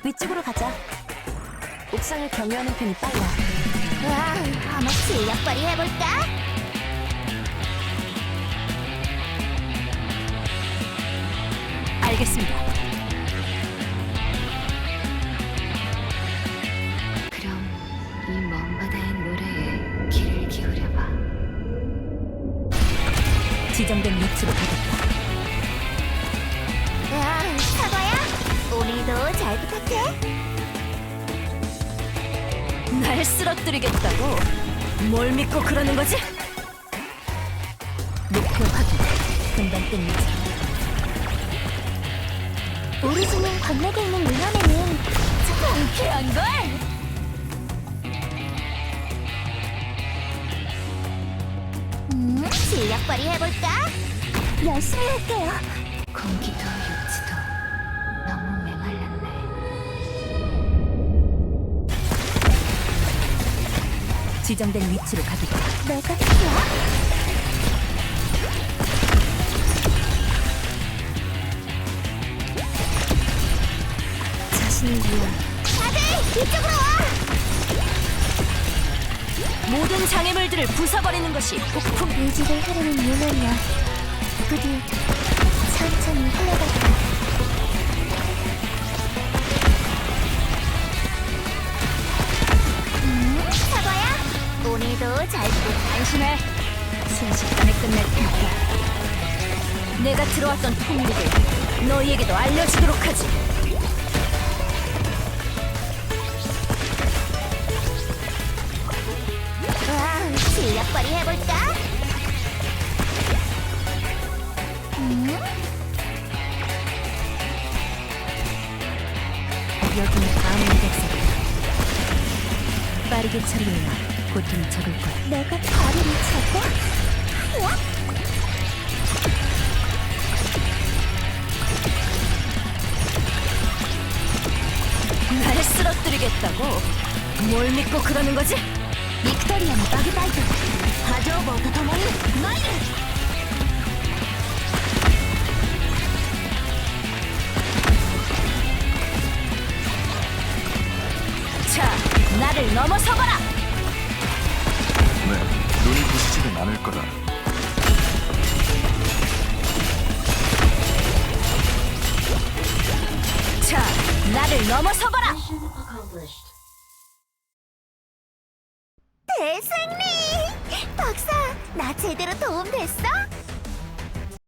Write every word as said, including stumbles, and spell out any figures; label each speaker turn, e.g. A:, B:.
A: 위쪽으로 가자. 옥상을 경유하는 편이 빨라.
B: 와, 한번 실력 발휘해볼까?
A: 알겠습니다.
B: 그럼 이 먼 바다의 노래에 귀를 기울여봐.
A: 지정된 위치로 가겠다.
B: 야, 사과야, 오늘도 잘 부탁해.
A: 날 쓰러뜨리겠다고? 뭘 믿고 그러는 거지? 목표 확인. 금방 뜹니다.
B: 우리 집은 광맥에 있는 물건에는
A: 통쾌한걸?
B: 음, 실력 발휘해볼까? 열심히 할게요. 공기도 육지도 너무 메말랐네.
A: 지정된 위치로 가겠다.
B: 내가 필요야?
A: 자신을 위한
B: 다들 이쪽으로 와!
A: 모든 장애물들을 부숴버리는 것이 폭풍.
B: 이 집을 흐르는 유면이야. 부디 천천히 흘러갈까. 음, 사과야, 오늘도 잘 부탁.
A: 안심해. 순식간에 끝낼 테니까. 내가 들어왔던 폭력을 너희에게도 알려주도록 하지.
B: 와, 실력 발휘해볼까? 음?
A: 여기는 아무 백성이다. 빠르게 처리해야 고통이 적을 거야.
B: 내가 다리를 차고? 야?
A: 날 쓰러뜨리겠다고? 뭘 믿고 그러는 거지?
B: 빅토리아의 버그바이트 하조보도 도모니 마이ル!
A: 자, 나를 넘어서봐라!
C: 네, 눈이 부시지는 않을 거다.
A: 자, 나를 넘어서봐라!
B: 대승리! 박사, 나 제대로 도움 됐어?